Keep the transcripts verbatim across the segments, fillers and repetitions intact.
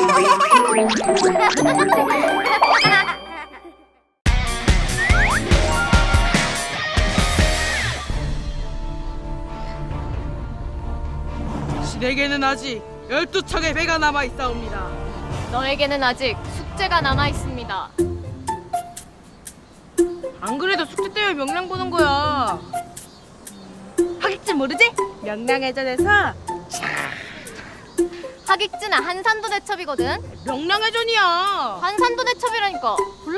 신에게는 아직 열두 척의 배가 남아 있사옵니다. 너에게는 아직 숙제가 남아 있습니다. 안 그래도 숙제 때문에 명량 보는 거야. 하객진 모르지? 명량해전에서 하객진은 한산도 대첩이거든. 명량해전이야. 한산도 대첩이라니까. 볼래?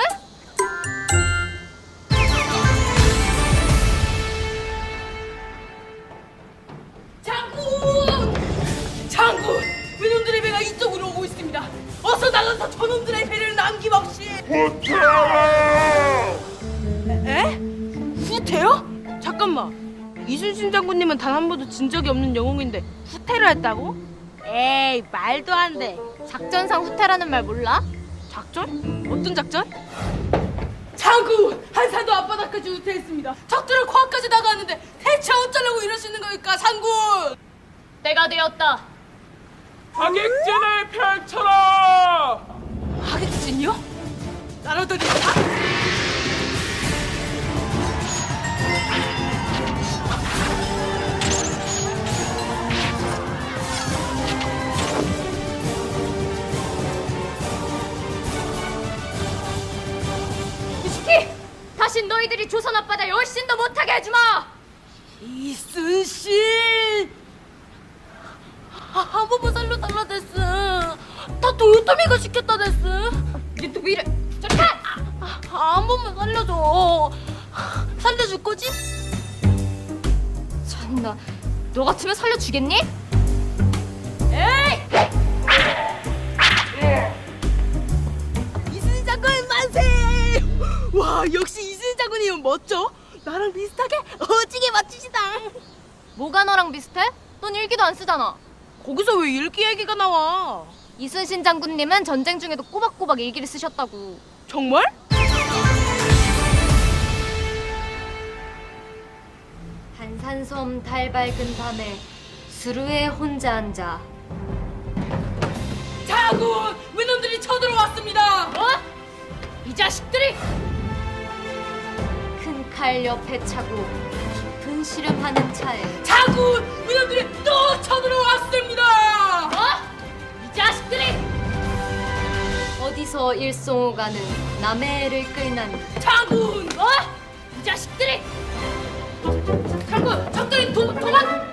장군! 장군! 외놈들의 배가 이쪽으로 오고 있습니다. 어서 나가서 저놈들의 배를 남김없이. 에? 후퇴요? 잠깐만. 이순신 장군님은 단 한 번도 진 적이 없는 영웅인데 후퇴를 했다고? 에이, 말도 안 돼. 작전상 후퇴라는 말 몰라? 작전? 어떤 작전? 장군! 한산도 앞바다까지 후퇴했습니다. 적들은 코앞까지 나가는데 대체 어쩌려고 이러시는 거니까, 장군! 때가 되었다. 하객진을 펼쳐라! 하객진이요? 나라들이다? 이시키! 다시 너희들이 조선 앞바다에 얼씬도 못하게 해주마! 이순신! 아, 한 번만 살려달라 데스. 다 도요토미가 시켰다 데스. 이게 또 왜 이래? 저리 가! 아, 한 번만 살려줘. 살려줄 거지? 참나, 너 같으면 살려주겠니? 에이! 이순신 장군 만세! 와, 역시 이순신 장군이면 멋져. 나랑 비슷하게 어지게 맞추시다. 뭐가 너랑 비슷해? 넌 일기도 안 쓰잖아. 거기서 왜 일기 얘기가 나와? 이순신 장군님은 전쟁 중에도 꼬박꼬박 일기를 쓰셨다고. 정말? 한산섬 달 밝은 밤에 수루에 혼자 앉아. 장군! 외놈들이 쳐들어왔습니다. 뭐? 이 자식들이! 큰 칼 옆에 차고 깊은 시름하는 차에. 장군! 외놈들이 또 쳐들어왔습니다. 뭐? 이 자식들이! 어디서 일송오가는 남의 애를 끌나니. 장군! 뭐? 이 자식들이! 장군! 적들이 도, 도망!